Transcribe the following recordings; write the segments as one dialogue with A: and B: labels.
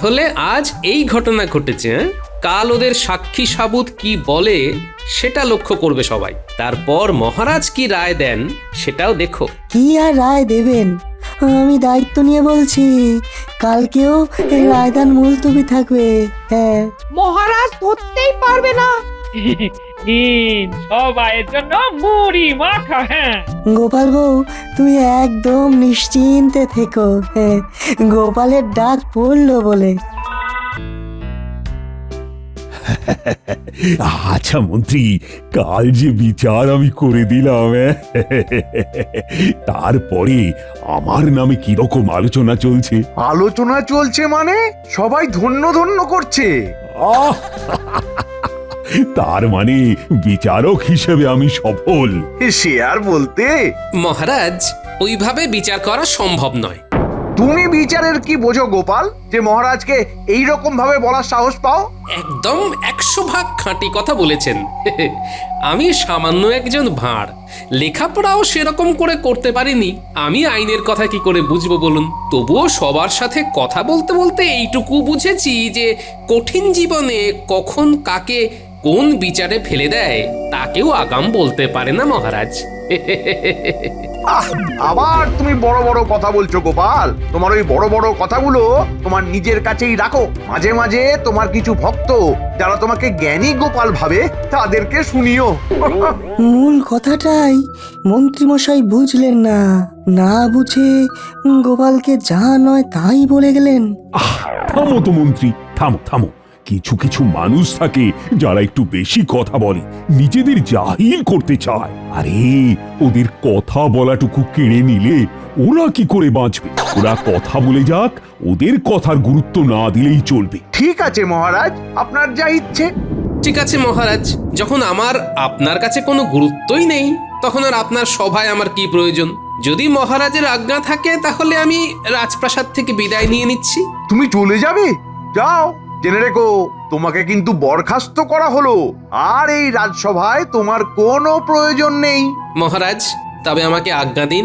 A: তাহলে আজ এই ঘটনা ঘটেছে, হ্যাঁ? কাল ওদের সাক্ষী সাবুত কি বলে সেটা লক্ষ্য করবে সবাই। তারপর মহারাজ কি রায় দেন সেটাও দেখো।
B: কি আর রায় দেবেন, আমি দায়িত্ব নিয়ে বলছি, কালকেও এই রায়দান মুলতবি থাকবে। হ্যাঁ,
C: মহারাজ ধরতেই পারবে না।
D: সবাইয়ের জন্য মুড়ি মাখা। হ্যাঁ,
B: গোপাল বউ তুমি একদম নিশ্চিন্তে থেকো। হ্যাঁ, গোপালের ডাক পড়লো বলে।
E: আচ্ছা মন্ত্রী, কাল যে বিচার আমি করে দিলাম, তারপরে আমার নামে কিরকম আলোচনা চলছে?
F: আলোচনা চলছে মানে সবাই ধন্য ধন্য করছে।
E: আহ! তার মানে বিচারক হিসেবে আমি সফল।
F: সে আর বলতে,
A: মহারাজ ওইভাবে বিচার করা সম্ভব নয়।
F: তুমি বিচারের কি বোঝো গোপাল, যে মহারাজকে এই রকম ভাবে বলার সাহস পাও?
A: একদম 100 ভাগ খাঁটি কথা বলেছেন। আমি সামান্য একজন ভাঁড়, লেখাপড়াও সেরকম করে করতে পারিনি। আমি আইনের কথা কি করে বুঝবো বলুন? তবুও সবার সাথে কথা বলতে বলতে এইটুকু বুঝেছি যে কঠিন জীবনে কখন কাকে কোন বিচারে ফেলে দেয় তাকেও আগাম বলতে পারে না মহারাজ।
F: আবার তুমি বড় বড় কথা বলছো গোপাল। তোমার ওই বড় বড় কথাগুলো তোমার নিজের কাছেই রাখো। মাঝে মাঝে তোমার কিছু ভক্ত যারা তোমাকে জ্ঞানী গোপাল ভাবে তাদেরকে শুনিও।
B: মূল কথাটাই মন্ত্রীমশাই বুঝলেন না, না বুঝে গোপালকে যা নয় তাই বলে গেলেন।
E: থামো তো মন্ত্রী, থামো থামো। কিছু কিছু মানুষ থাকে যারা একটু বেশি কথা বলে, নিজেদের জাহিল করতে চায়। আরে ওদের কথা বলাটুকু কেড়ে নিলে ওরা কি করে বাঁচবে? ওরা কথা বলে যাক, ওদের কথার গুরুত্ব না দিলেই চলবে।
F: ঠিক আছে মহারাজ, আপনার যা ইচ্ছে।
A: ঠিক আছে মহারাজ, যখন আমার আপনার কাছে কোনো গুরুত্বই নেই তখন আর আপনার সভায় আমার কি প্রয়োজন? যদি মহারাজের আজ্ঞা থাকে তাহলে আমি রাজপ্রাসাদ থেকে বিদায় নিয়ে নিচ্ছি।
F: তুমি চলে যাবে? যাও, জেনে রেখো তোমাকে কিন্তু বরখাস্ত করা হলো, আর এই রাজসভায় তোমার কোনো প্রয়োজন নেই।
A: মহারাজ তবে আমাকে আজ্ঞা দিন।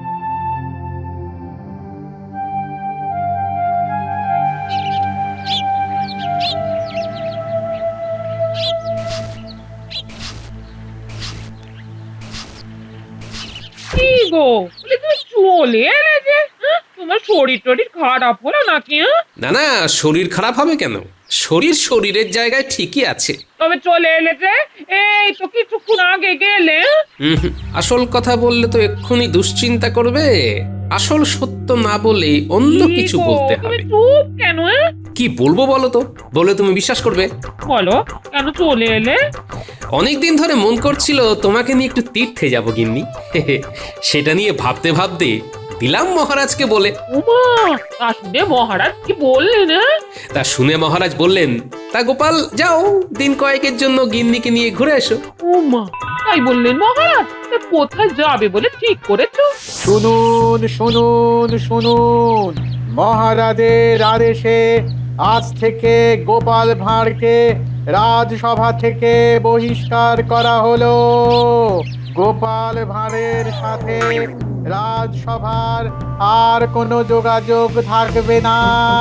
D: কি গো, বলে তুমি চলে এলে যে? হ্যাঁ? তোমার শরীর টরীর খারাপ হলো নাকি? হ্যাঁ,
A: না না, শরীর খারাপ হবে কেন? শরীর শরীরের জায়গায় ঠিকই আছে।
D: তবে চলে এলে যে? এই তো কিছুক্ষণ আগে গেলে।
A: আসল কথা বললে তো এক্ষুনি দুশ্চিন্তা করবে। আসল সত্য না বলে অন্য কিছু বলতে
D: তুমি
A: হবে।
D: চুপ কেন?
A: কি বলবো বলো তো, বলে তুমি বিশ্বাস করবে?
D: বলো, কেন চলে এলে?
A: অনেকদিন ধরে মন করছিল তোমাকে নিয়ে একটু তীর্থে যাব গিন্নি। সেটা নিয়ে ভাবতে ভাবতে দিলাম মহারাজকে বলে।
D: উমা, তা শুনে মহারাজ কি বললেন?
A: তা শুনে মহারাজ বললেন, তা গোপাল যাও, দিন কয়েকের জন্য গিন্নিকে নিয়ে ঘুরে এসো।
D: উমা, তাই বললেন মহারাজ? তা কোথায় যাবে বলে ঠিক করেছো?
G: শুনুন শুনুন শুনুন, মহারাজের আদেশে আজ থেকে গোপাল ভাঁড়কে রাজসভা থেকে বহিষ্কার করা হলো। গোপাল ভাঁড়ের সাথে রাজসভার আর কোনো যোগাযোগ থাকবে না।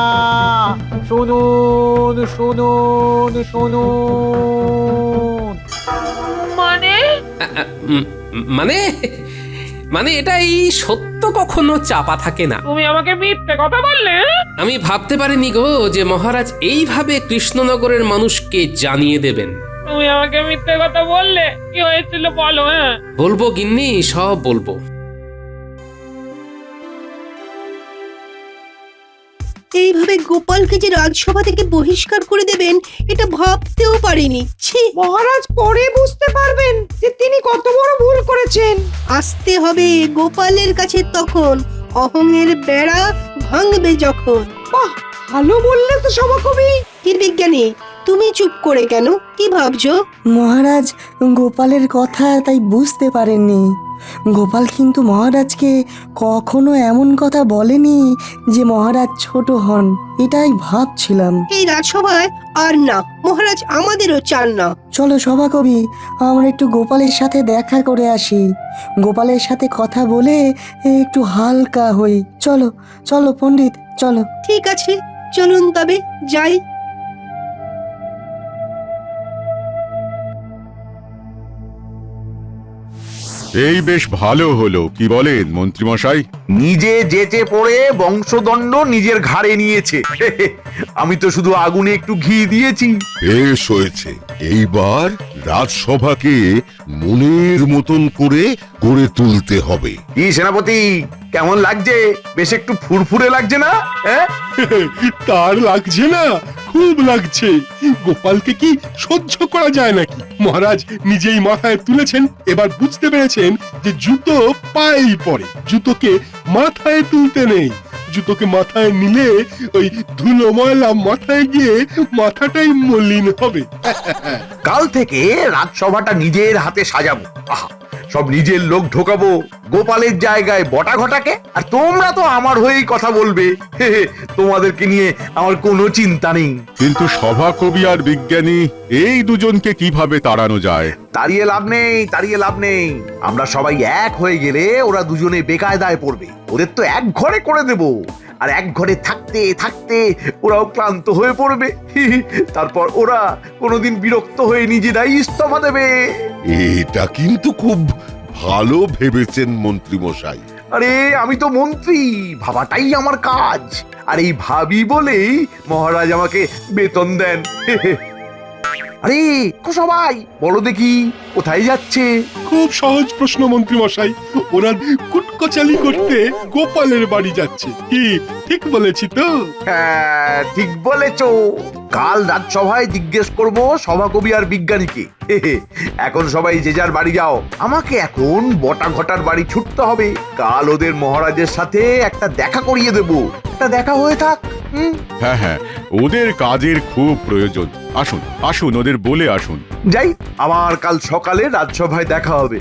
G: শুনুন শুনুন শুনুন।
D: মানে?
A: মানে মানে এটাই সত্য, কখনো চাপা থাকে না।
D: তুমি আমাকে মিথ্যে কথা বললে?
A: আমি ভাবতে পারিনি গো যে মহারাজ এইভাবে কৃষ্ণনগরের মানুষকে জানিয়ে দেবেন।
D: তুমি আমাকে মিথ্যে কথা বললে? কি হয়েছিল বলো?
A: বলবো গিন্নি, সব বলবো।
H: এইভাবে গোপালকে যে রাজসভা থেকে বহিষ্কার করে দেবেন এটা ভাবতেও পারিনি। ছি,
C: মহারাজ পরে বুঝতে পারবেন যে তিনি কত বড় ভুল করেছেন।
H: আসতে হবে গোপালের কাছে তখন, অহংয়ের বেড়া ভাঙবে যখন।
C: বাহ, ভালো বললে তো সভাকবি।
H: কি বিজ্ঞানী, তুমি চুপ করে কেন? কি ভাবছো?
B: মহারাজ গোপালের কথা তাই বুঝতে পারেননি। গোপাল কিন্তু মহারাজকে কখনো এমন কথা বলেনি যে মহারাজ ছোট হন, এটাই ভাবছিলাম।
H: এই রাজসভায় আর না, মহারাজ আমাদেরও চান না।
B: চলো সভাকবি, আমরা একটু গোপালের সাথে দেখা করে আসি। গোপালের সাথে কথা বলে একটু হালকা হই। চলো চলো পণ্ডিত, চলো।
H: ঠিক আছে, চলুন তবে যাই।
I: এই বেশ ভালো হলো, কি বলেন মন্ত্রীমশাই?
F: নিজে যেচে পড়ে বংশদণ্ড নিজের ঘাড়ে নিয়েছে। আমি তো শুধু আগুনে একটু ঘি দিয়েছি।
J: বেশ হয়েছে, এইবার রাজসভাকে মনের মতন করে গড়ে তুলতে হবে।
F: কি সেনাপতি, কেমন লাগছে? বেশ একটু ফুরফুরে লাগছে না? হ্যাঁ,
K: তার লাগছে না, খুব লাগছে। গোপালকে কি সহ্য করা যায় নাকি? মহারাজ নিজেই মাথায় তুলেছেন, এবার বুঝতে পেরেছেন যে জুতো পায়েই পড়ে, জুতোকে মাথায় তুলতে নেই। জুতোকে মাথায় নিলে ওই ধুলো ময়লা মাথায় গিয়ে মাথাটাই মলিন হবে।
F: কাল থেকে রাজসভাটা নিজের হাতে সাজাবো। আহা, সব নিজের লোক ঢোকাবো, গোপালের জায়গায় বটা ঘটাকে। আর তোমরা তো আমার হয়েই কথা বলবে। তোমাদেরকে নিয়ে আমার কোনো চিন্তা নেই।
I: কিন্তু সভাকবি আর বিজ্ঞানী এই দুজনকে কিভাবে তাড়ানো যায়?
F: তাড়িয়ে লাভ নেই, তাড়িয়ে লাভ নেই। আমরা সবাই এক হয়ে গেলে ওরা দুজনে বেকায়দায় পড়বে। ওদের তো এক ঘরে করে দেব, আর এক ঘরে থাকতে থাকতে ওরাও ক্লান্ত হয়ে পড়বে। তারপর ওরা কোনোদিন বিরক্ত হয়ে নিজেরাই ইস্তফা দেবে।
J: এটা কিন্তু খুব ভালো ভেবেছেন মন্ত্রীমশাই।
F: আরে আমি তো মন্ত্রী, ভাবাটাই আমার কাজ। আর এই ভাবি বলেই মহারাজ আমাকে বেতন দেন। আরে সবাই বলো দেখি, কোথায় যাচ্ছে?
K: খুব সহজ প্রশ্ন মন্ত্রীমশাই, ওরা কুটকচালি করতে গোপালের বাড়ি যাচ্ছে। কি ঠিক বলেছি তো?
F: হ্যাঁ, ঠিক বলেছো। কাল রাজসভায় জিজ্ঞেস করব সভাকবি আর বিজ্ঞানীকে। এখন সবাই যে যার বাড়ি যাও। আমাকে এখন বটা ঘটার বাড়ি ছুটতে হবে। কাল ওদের মহারাজের সাথে একটা দেখা করিয়ে দেব। একটা দেখা হয়ে থাক।
I: হ্যাঁ হ্যাঁ, ওদের কাজের খুব প্রয়োজন। আসুন আসুন, ওদের বলে আসুন।
F: যাই, আবার কাল সকালে রাজসভায় দেখা হবে।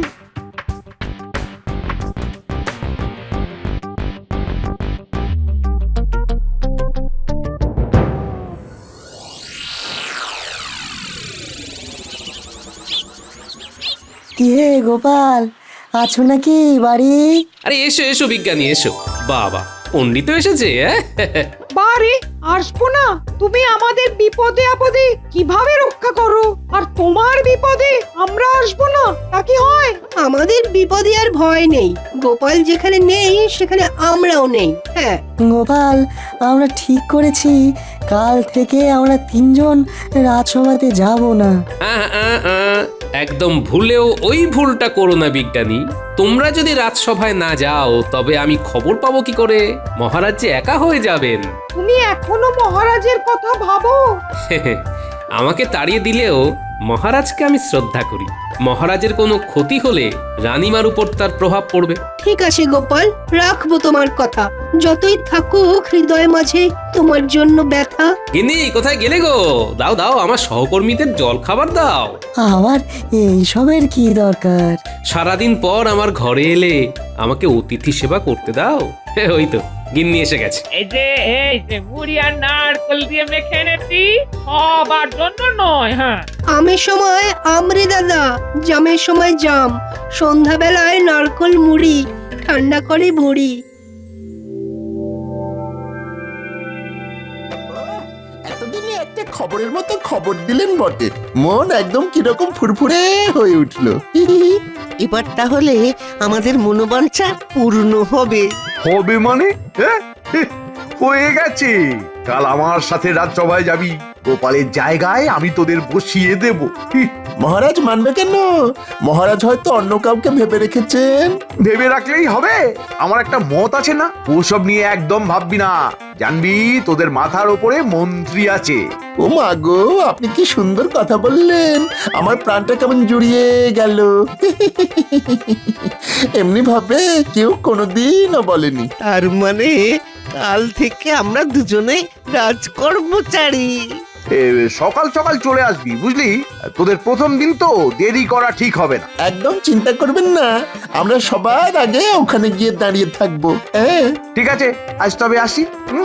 B: কি হে গোপাল, আছো নাকি বাড়ি?
A: আরে এসো এসো বিজ্ঞানী, এসো। বাবা, পণ্ডিত এসেছে।
C: বারে আসবো না? তুমি আমাদের বিপদে আপদে কিভাবে রক্ষা করো, আর তোমার বিপদে আমরা আসবো না, তা কি হয়?
H: আমাদের বিপদে আর ভয় নেই। গোপাল যেখানে নেই সেখানে আমরাও নেই। হ্যাঁ,
B: গোপাল, আমরা ঠিক করেছি কাল থেকে আমরা তিনজন রাজসভাতে যাব না।
A: একদম ভুলেও ওই ভুলটা করো না বিজ্ঞানী। তোমরা যদি রাজসভায় না যাও তবে আমি খবর পাবো কি করে? মহারাজ যে একা হয়ে যাবেন।
C: তুমি এখনো মহারাজের কথা ভাবো?
A: আমাকে তাড়িয়ে দিলেও মহারাজকে আমি শ্রদ্ধা করি। মহারাজের কোনো ক্ষতি হলে রানীমার উপর তার প্রভাব পড়বে।
H: ঠিক আছে গোপাল, রাখবো তোমার কথা। যতই থাকুক হৃদয় মাঝে তোমার জন্য ব্যথা।
A: গিন্নি, কোথায় গেলে গো? দাও দাও, আমার সহকর্মীদের জল খাবার দাও।
B: আবার এইসবের কি দরকার?
A: সারাদিন পর আমার ঘরে এলে আমাকে অতিথি সেবা করতে দাও। ওই তো গিন্নি এসে গেছে।
D: এই যে মুড়ি আর নারকেল দিয়ে মেখে এনেছি, সবার জন্য নয়। হ্যাঁ,
H: আমের সময় আমরে দাদা, জামের সময় জাম, সন্ধ্যাবেলায় নারকল মুড়ি, ঠান্ডা করে ভুড়ি।
L: এতদিনে একটা খবরের মতো খবর দিলেন বটে, মন একদম কিরকম ফুরফুরে হয়ে উঠলো।
M: এবার তাহলে আমাদের মনোবাঞ্ছা পূর্ণ হবে।
F: হবে মানে? হ্যাঁ, হয়ে গেছে। কাল আমার সাথে রাজসভায় যাবি। গোপালের জায়গায় আমি তোদের বসিয়ে দেব।
L: মহারাজ মানবে কেন? মহারাজ হয়তো অন্য কাউকে ভেবে রেখেছেন।
F: ভেবে রাখলেই হবে? আমার একটা মত আছে না, ওসব নিয়ে একদম ভাববি না। জানবি তোদের মাথার ওপরে মন্ত্রী আছে।
L: ও মা গো, আপনি কি সুন্দর কথা বললেন, আমার প্রাণটা কেমন জুড়িয়ে গেল। এমনি ভাবে কেউ কোনোদিনও বলেনি।
M: তার মানে কাল থেকে আমরা দুজনে রাজকর্মচারী।
F: সকাল সকাল চলে আসবি, বুঝলি? তোদের প্রথম দিন তো, দেরি করা ঠিক হবে না।
L: একদম চিন্তা করবেন না, আমরা সবার আগে ওখানে গিয়ে দাঁড়িয়ে থাকবো। হ্যাঁ,
F: ঠিক আছে, আজ তবে আসি।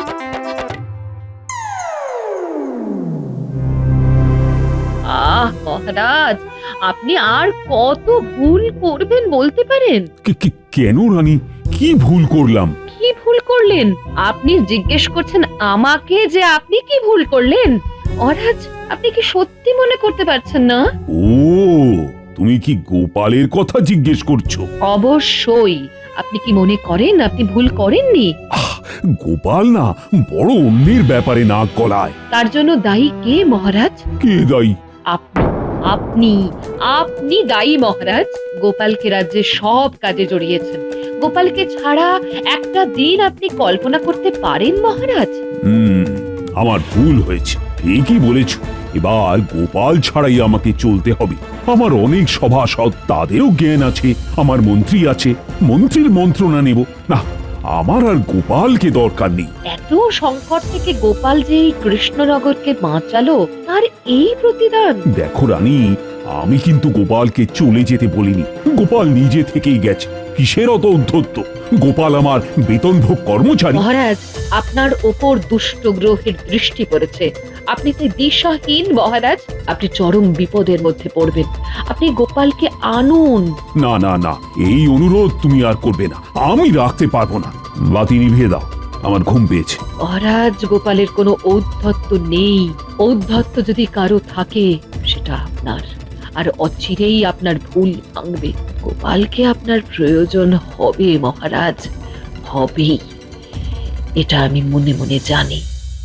D: মহারাজ, আপনি আর কত ভুল করবেন বলতে পারেন?
E: কেন রানী, কি ভুল করলাম?
D: কি ভুল
N: করলেন? আপনি জিজ্ঞেস করছেন আমাকে যে আপনি কি ভুল করলেন? মহারাজ, আপনি কি সত্যি মনে করতে পারছেন না?
E: ও, তুমি কি গোপালের কথা জিজ্ঞেস করছো?
N: অবশ্যই। আপনি কি মনে করেন আপনি ভুল করেননি?
E: গোপাল না বড় অন্যের ব্যাপারে নাক গলায়।
N: তার জন্য দায়ী কে মহারাজ?
E: কে দায়ী?
N: আপনি আপনি আপনি দায়ী মহারাজ। গোপালকে রাজ্যের সব কাজে জড়িয়েছেন। গোপালকে ছাড়া একটা দিন আপনি কল্পনা করতে পারেন মহারাজ?
E: আমার ভুল হয়েছে, ঠিকই বলেছ। এবার গোপাল ছাড়াই আমাকে চলতে হবে। আমার অনেক সভাসদ, তাদেরও জ্ঞান আছে। আমার মন্ত্রী আছে, মন্ত্রীর মন্ত্রণা নেব না। আমার আর গোপালকে দরকার নেই।
N: এত সংকট থেকে গোপাল যে এই কৃষ্ণনগরকে বাঁচালো, তার এই প্রতিদান।
E: দেখো রানী, আমি কিন্তু গোপালকে চলে যেতে বলিনি। গোপাল নিজে থেকেই গেছে। কিসের অত উদ্ধত্ত? গোপাল আমার বেতনভোগ কর্মচারী।
N: মহারাজ, আপনার ওপর দুষ্ট গ্রহের দৃষ্টি পড়েছে। আপনি তো দিশাহীন মহারাজ। আপনি চরম বিপদের মধ্যে পড়বেন। আপনি গোপালকে আনুন।
E: না না না, এই অনুরোধ তুমি আর করবে না। আমি রাখতে পারবো না। বাতি নিভিয়ে দাও, আমার ঘুম পেয়েছে।
N: মহারাজ, গোপালের কোনো ঔদ্ধত্য নেই। ঔদ্ধত্য যদি কারো থাকে, সেটা আপনার। আর অচিরেই আপনার ভুল ভাঙবে। গোপালকে আপনার প্রয়োজন হবে মহারাজ, হবেই। এটা আমি মনে মনে জানি।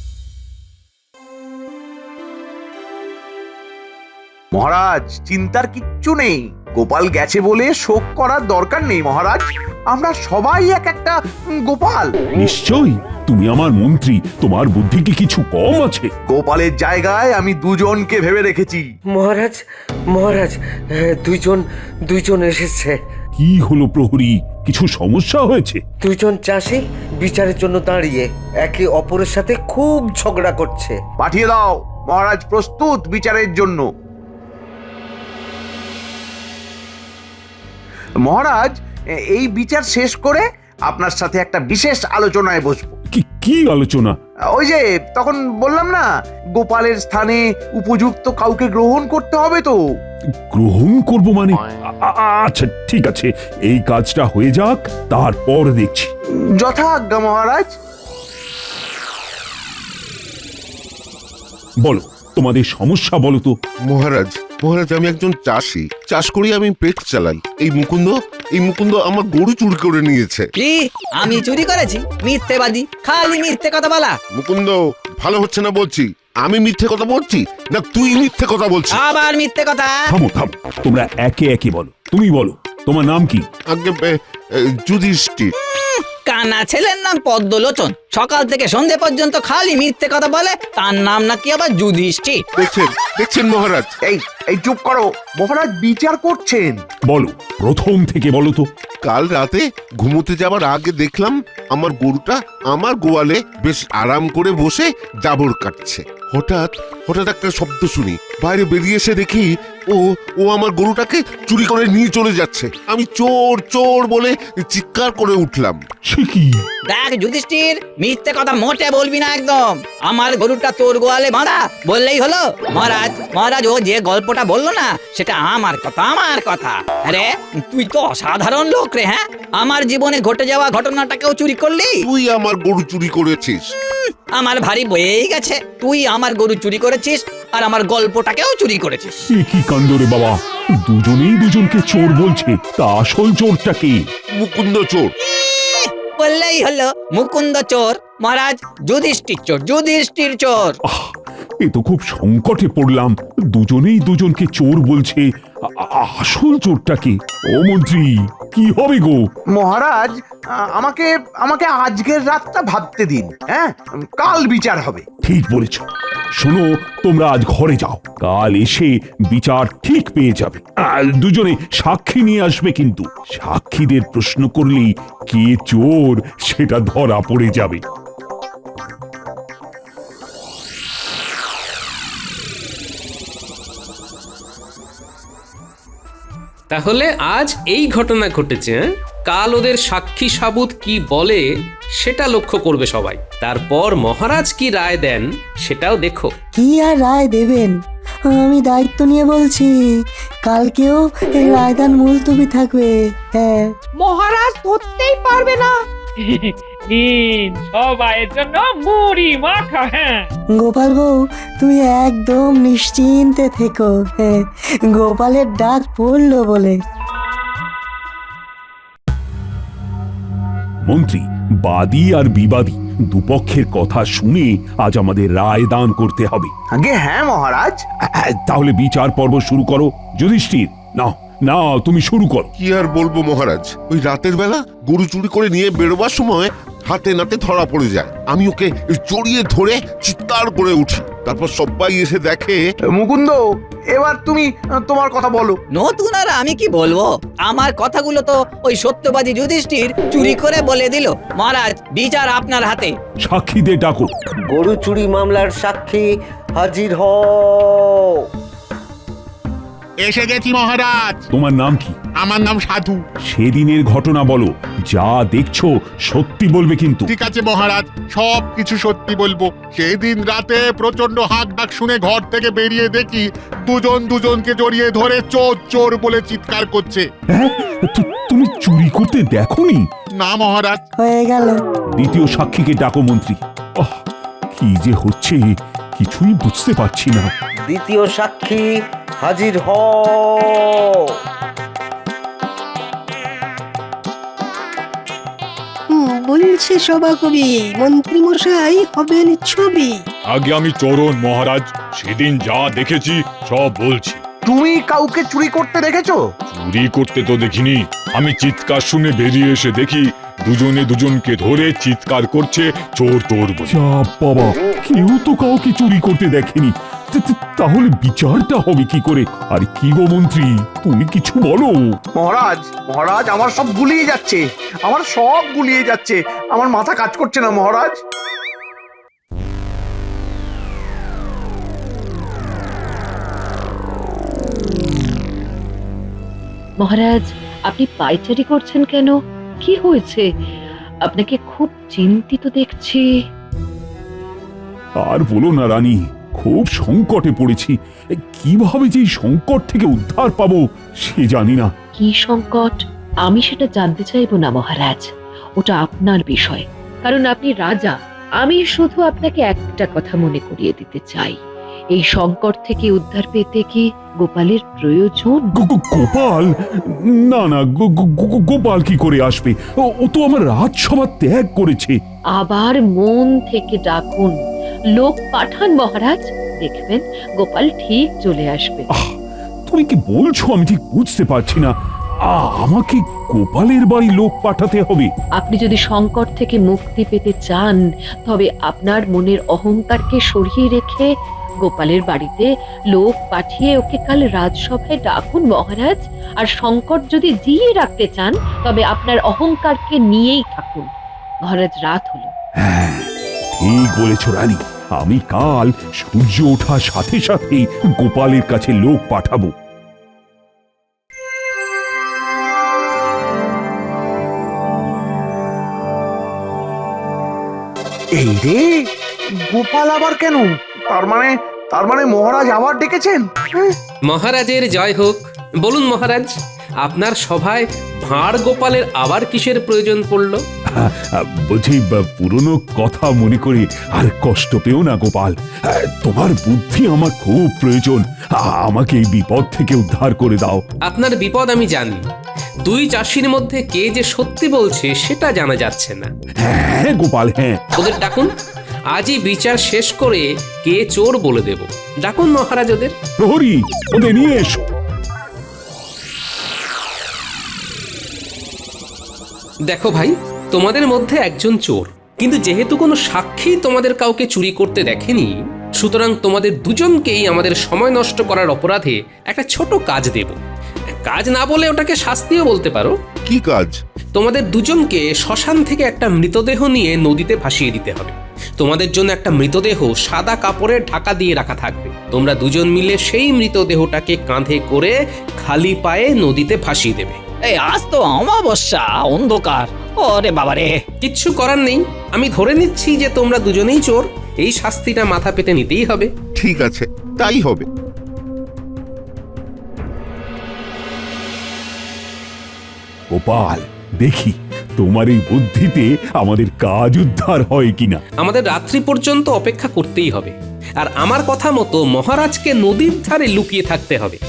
F: মহারাজ, চিন্তার কিচ্ছু নেই। গোপাল গেছে বলে শোক করার দরকার নেই মহারাজ। আমরা সবাই এক একটা গোপাল।
E: নিশ্চয়ই, তুমি আমার মন্ত্রী, তোমার বুদ্ধি কি কিছু কম আছে?
F: গোপালের জায়গায় আমি দুজনকে ভেবে রেখেছি।
O: মহারাজ, মহারাজ, দুইজন এসেছে।
E: কি হলো প্রহরী? কিছু সমস্যা হয়েছে?
O: দুইজন চাষি বিচারের জন্য দাঁড়িয়ে একে অপরের সাথে খুব ঝগড়া করছে।
F: পাঠিয়ে দাও। মহারাজ প্রস্তুত বিচারের জন্য। মহারাজ, এই বিচার শেষ করে আপনার সাথে একটা বিশেষ আলোচনায় বসবো।
E: কি আলোচনা?
F: ওই যে তখন বললাম না, গোপালের স্থানে উপযুক্ত কাউকে গ্রহণ করতে হবে তো।
E: গ্রহণ করব মানে? আচ্ছা ঠিক আছে, এই কাজটা হয়ে যাক, তারপর দেখছি।
F: যথাজ্ঞা মহারাজ।
E: বলো, তোমাদের সমস্যা বলো তো।
J: মহারাজ, আমি একজন চাষি, চাষ করি, আমি পেট চালাই। এই মুকুন্দ আমার গরু চুরি করে নিয়েছে।
P: কি? আমি চুরি করেছি? মিথ্যেবাদী, খালি মিথ্যে কথা বলা।
J: মুকুন্দ, ভালো হচ্ছে না বলছি। আমি মিথ্যে কথা বলছি না তুই মিথ্যে কথা বলছিস?
P: আবার মিথ্যে কথা?
E: থামো, তোমরা একে একে বলো। তুমি বলো, তোমার নাম কি?
J: আগে যুধিষ্ঠির।
P: কানা ছেলের নাম পদ্মলোচন। সকাল থেকে সন্ধে পর্যন্ত খালি মিথ্যে কথা বলে, তার নাম নাকি আবার যুধিষ্ঠির।
J: দেখছেন মহারাজ?
F: এই চুপ করো মহারাজ, বিচার করছেন।
E: বলো, প্রথম থেকে বলো তো।
J: কাল রাতে ঘুমোতে যাবার আগে দেখলাম আমার গরুটা আমার গোয়ালে বেশ আরাম করে বসে জাবর কাটছে। হঠাৎ একটা শব্দ শুনি, বাইরে বেরিয়ে এসে দেখি ও আমার গরুটাকে চুরি করে নিয়ে চলে যাচ্ছে। আমি চোর বলে চিৎকার করে উঠলাম।
P: দেখ যুধিষ্ঠির, মিথ্যে কথা মোটে বলবি না একদম। আমার গরুটা তোর গোয়ালে বাঁধা বললেই হলো। মহারাজ, ও যে গল্পটা বললো না, সেটা আমার কথা। আরে তুই তো অসাধারণ লোক রে। হ্যাঁ, আমার জীবনে ঘটে যাওয়া ঘটনাটাকেও চুরি করলি।
J: তুই আমার গরু চুরি করেছিস।
P: আমার ভারী বয়েই গেছে। তুই আমার গরু চুরি করেছিস আর আমার গল্পটাকেও চুরি করেছিস।
E: কি কাণ্ড রে বাবা! দুজনেই দুজনকে চোর বলছে। তা আসল চোরটা কে?
J: মুকুন্দ চোর।
P: বললেই হলো মুকুন্দ চোর। মহারাজ, যুধিষ্ঠির চোর।
E: এ তো খুব সংকটে পড়লাম। দুজনেই দুজনকে চোর বলছে। আসল চোরটা কে? ও মন্ত্রী, কি হবে গো?
F: মহারাজ, আমাকে আজকের রাতটা ভাবতে দিন। হ্যাঁ, কাল বিচার হবে।
E: ঠিক বলেছ। শোনো, তোমরা আজ ঘরে যাও, কাল এসে বিচার ঠিক পেয়ে যাবে। দুজনে সাক্ষী নিয়ে আসবে, কিন্তু সাক্ষীদের প্রশ্ন করলেই কে চোর সেটা ধরা পড়ে যাবে।
A: তাহলে আজ এই ঘটনা ঘটেছে। কাল ওদের সাক্ষী সাবুত কি বলে সেটা লক্ষ্য করবে সবাই। তারপর মহারাজ কি রায় দেন সেটাও দেখো।
B: কি আর রায় দেবেন? আমি দায়িত্ব নিয়ে বলছি, কালকেও এই রায়দান মুলতবি থাকবে। হ্যাঁ,
C: মহারাজ ধরতেই পারবে না।
D: কঠিন সবাইয়ের জন্য মুড়ি মাখা। হ্যাঁ,
B: গোপাল বউ, তুমি একদম নিশ্চিন্তে থেকো। হ্যাঁ, গোপালের ডাক পড়লো বলে।
E: মন্ত্রী, বাদী আর বিবাদী দুপক্ষের কথা শুনে আজ আমাদের রায় দান করতে হবে।
F: আগে হ্যাঁ মহারাজ।
E: তাহলে বিচার পর্ব শুরু করো। যুধিষ্ঠির, না না, তুমি শুরু করো।
J: কি আর বলবো মহারাজ, ওই রাতের বেলা গরু চুরি করে নিয়ে বেরোবার সময় হাতে নাতে ধরা পড়ে যায়। আমি ওকে জড়িয়ে ধরে চিৎকার করে উঠি, তারপর সবাই এসে দেখে।
F: মুকুন্দ, এবার তুমি তোমার কথা বলো।
P: নতুন আর আমি কি বলবো, আমার কথাগুলো তো ওই সত্যবাদী যুধিষ্ঠির চুরি করে বলে দিল। মহারাজ, বিচার আপনার হাতে।
E: সাক্ষীদের ডাকো।
O: গরু চুরি মামলার সাক্ষী হাজির হও।
I: এসে গেছি মহারাজ।
E: তোমার নাম কি?
I: আমার নাম সাধু।
E: সেদিনের ঘটনা বলো, যা দেখছো সত্যি বলবে কিন্তু।
I: ঠিক আছে মহারাজ, সব কিছু সত্যি বলবো। সেদিন রাতে প্রচন্ড হাঁক ডাক শুনে ঘর থেকে বেরিয়ে দেখি দুজন দুজনকে জড়িয়ে ধরে চোর চোর বলে চিৎকার করছে।
E: হ্যাঁ, তুমি চুরি করতে দেখোনি?
I: না মহারাজ।
B: হয়ে গেল।
E: দ্বিতীয় সাক্ষীকে ডাকো মন্ত্রী। কি যে হচ্ছে কিছুই বুঝতে পারছি না।
O: দ্বিতীয় সাক্ষী হাজির হও।
H: বলছে সভাকবি, মন্ত্রী মশাই হবেন ছবি।
K: আগে আমি চরণ মহারাজ, সেদিন যা দেখেছি সব বলছি।
F: তুমি কাউকে চুরি করতে দেখেছো?
K: চুরি করতে তো দেখিনি, আমি চিৎকার শুনে বেরিয়ে এসে দেখি দুজনে দুজনকে ধরে চিৎকার করছে চোর চোর বলে।
E: যা বাবা, কেউ তো কাউকে চুরি করতে দেখেনি। তাহলে বিচারটা হবে কি করে? আর কি গো মন্ত্রী, তুমি কিছু বলো।
F: মহারাজ, মহারাজ, আমার সব গুলিয়ে যাচ্ছে, আমার সব গুলিয়ে যাচ্ছে, আমার মাথা কাজ করছে না মহারাজ।
N: মহারাজ, আপনি পায়চারি করছেন কেন? কি হয়েছে? আপনাকে খুব চিন্তিত দেখছি।
E: আর বলো না রানী, খুব সংকটে পড়েছি। কিভাবে যে এই সংকট থেকে উদ্ধার পাবো সে জানি না।
N: কি সংকট? আমি সেটা জানতে চাইবো না মহারাজ, ওটা আপনার বিষয়, কারণ আপনি রাজা। আমি শুধু আপনাকে একটা কথা মনে করিয়ে দিতে চাই, এই সংকট থেকে উদ্ধার পেতে কি গোপালের প্রয়োজন?
E: গোপাল? না না, গোপাল কি করে আসবে? ও তো আমার রাজসভা ত্যাগ করেছে।
N: আবার মন থেকে ডাকুন, লোক পাঠান মহারাজ, দেখবেন গোপাল ঠিক চলে আসবে।
E: তুমি কি বলছো আমি ঠিক বুঝতে পারছি না। আমাকে গোপালের বাড়ি লোক পাঠাতে হবে?
N: আপনি যদি সংকট থেকে মুক্তি পেতে চান, তবে আপনার মনের অহংকারকে সরিয়ে রেখে গোপালের বাড়িতে লোক পাঠিয়ে ওকে কাল রাজসভায় ডাকুন মহারাজ। আর সংকট যদি জিয়ে রাখতে চান, তবে আপনার অহংকারকে নিয়েই থাকুন। মহারাজ, রাত হলো।
E: হ্যাঁ, ঠিক বলেছ রানী, আমি কাল সূর্য ওঠার সাথে সাথেই গোপালের কাছে লোক পাঠাবো।
F: এই রে, গোপাল আবার কেন? তার মানে মহারাজ আবার ডেকেছেন।
A: মহারাজের জয় হোক। বলুন মহারাজ, আপনার সভায় ভাঁড় গোপালের আবার কিসের প্রয়োজন পড়লো?
E: বলছি, পুরনো কথা মনে করে আর কষ্ট পেও না গোপাল। তোমার বুদ্ধি আমার খুব প্রয়োজন। আমাকে এই বিপদ থেকে উদ্ধার করে দাও।
A: আপনার বিপদ আমি জানি, দুই চাষির মধ্যে কে যে সত্যি বলছে সেটা জানা যাচ্ছে না।
E: হ্যাঁ গোপাল, হ্যাঁ।
A: ওদের ডাকুন, আজই বিচার শেষ করে কে চোর বলে দেব। ডাকুন মহারাজ ওদের।
E: প্রহরী, ওদের নিয়ে এসো।
A: দেখো ভাই, তোমাদের মধ্যে একজন চোর, কিন্তু যেহেতু কোনো সাক্ষী তোমাদের কাউকে চুরি করতে দেখেনি, সুতরাং তোমাদের দুজনকেই আমাদের সময় নষ্ট করার অপরাধে একটা ছোট কাজ দেব। কাজ না বলে ওটাকে শাস্তিও বলতে পারো।
J: কি কাজ?
A: তোমাদের দুজনকে শ্মশান থেকে একটা মৃতদেহ নিয়ে নদীতে ভাসিয়ে দিতে হবে। তোমাদের জন্য একটা মৃতদেহ সাদা কাপড়ের ঢাকা দিয়ে রাখা থাকবে। তোমরা দুজন মিলে সেই মৃতদেহটাকে কাঁধে করে খালি পায়ে নদীতে ভাসিয়ে দেবে।
P: এই আজ তো অমাবস্যা, অন্ধকার। ওরে বাবারে,
A: কিচ্ছু করার নেই, আমি ধরে নিচ্ছি যে তোমরা দুজনেই চোর। এই শাস্তিটা মাথা পেতে নিতেই হবে।
J: ঠিক আছে, তাই হবে।
E: গোপাল, দেখি তোমার এই বুদ্ধিতে আমাদের কাজ উদ্ধার হয় কিনা।
A: আমাদের রাত্রি পর্যন্ত অপেক্ষা করতেই হবে, আর আমার কথা মতো মহারাজকে নদীর ধারে লুকিয়ে থাকতে হবে।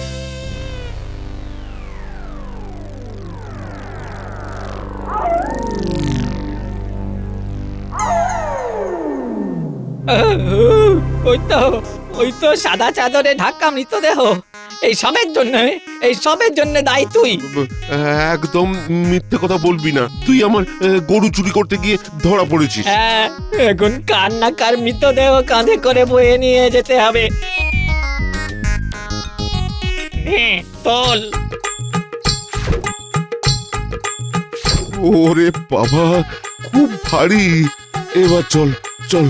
P: ওই তো সাদা চাদরে ঢাকা মৃতদেহ। এই সবের জন্য দায়ী তুই।
J: একদম মিথ্যে কথা বলবি না, তুই আমার গরু চুরি করতে গিয়ে ধরা পড়েছিস।
P: হ্যাঁ, এখন কার না কার মৃতদেহ কাঁধে করে বয়ে নিয়ে যেতে হবে। তোল।
J: ওরে বাবা, খুব ভারী। এবার চল চল।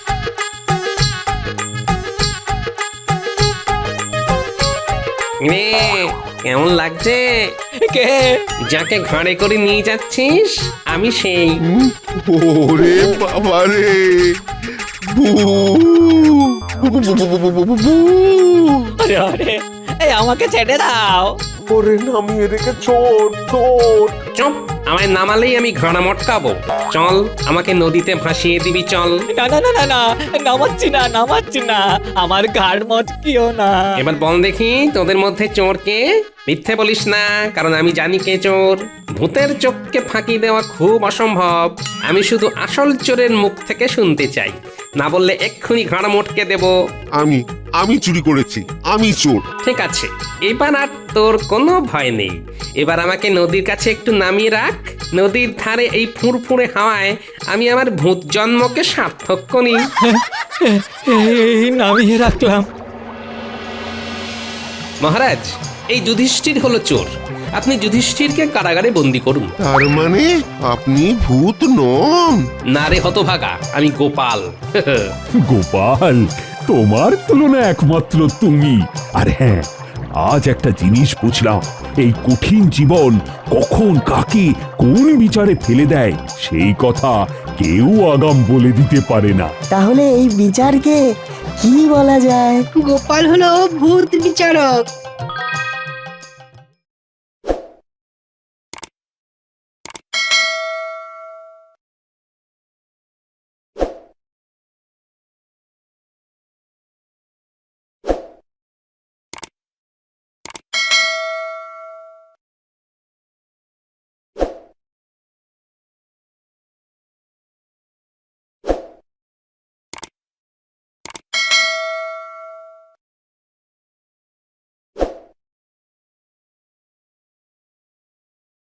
A: রে, কেমন লাগছে?
P: কে?
A: যাকে ঘাড়ে করে নিয়ে যাচ্ছিস আমি সেই।
J: ওরে বাবা রে,
P: আরে আরে, এই আমাকে ছেড়ে দাও।
J: ওরে নামিয়ে রেখে ছোট ছোট।
A: চুপ, আমায় নামালেই আমি ঘাড়া মটকাবো। চল, আমাকে নদীতে ভাসিয়ে দিবি, চল।
P: না না না না না, নামাচ্ছি না, আমার ঘাড় মটকিও না।
A: এবার বল দেখি তোদের মধ্যে চোর কে? মিথ্যে বলিস না, কারণ আমি জানি কে চোর। ভূতের চোখকে ফাঁকি দেওয়া খুব অসম্ভব। আমি শুধু আসল চোরের মুখ থেকে শুনতে চাই, না বললে এক্ষুনি ঘাড়া মটকে দেব।
J: আমি চুরি করেছি, আমি চোর।
A: ঠিক আছে, এবার আর তোর কোনো ভয় নেই। এবার আমাকে নদীর কাছে একটু নামিয়ে রাখ। নদীর ধারে এই ফুরফুরে হাওয়ায় আমি আমার ভূত জন্মকে সার্থক করি।
P: এই নামিয়ে রাখলাম।
A: মহারাজ, এই যুধিষ্ঠির হলো চোর। আপনি যুধিষ্ঠিরকে কারাগারে বন্দি করুন।
J: তার মানে আপনি ভূত নন?
A: না রে হতভাগা, আমি গোপাল।
E: গোপাল, তোমার তুলনা একমাত্র তুমি। আর হ্যাঁ, আজ একটা জিনিস বুঝলাম, এই কঠিন জীবন কখন কাকে কোন বিচারে ফেলে দেয় সেই কথা কেউ আগাম বলে দিতে পারে না।
B: তাহলে এই বিচারকে কি বলা যায়?
H: গোপাল হলো ভূত বিচারক।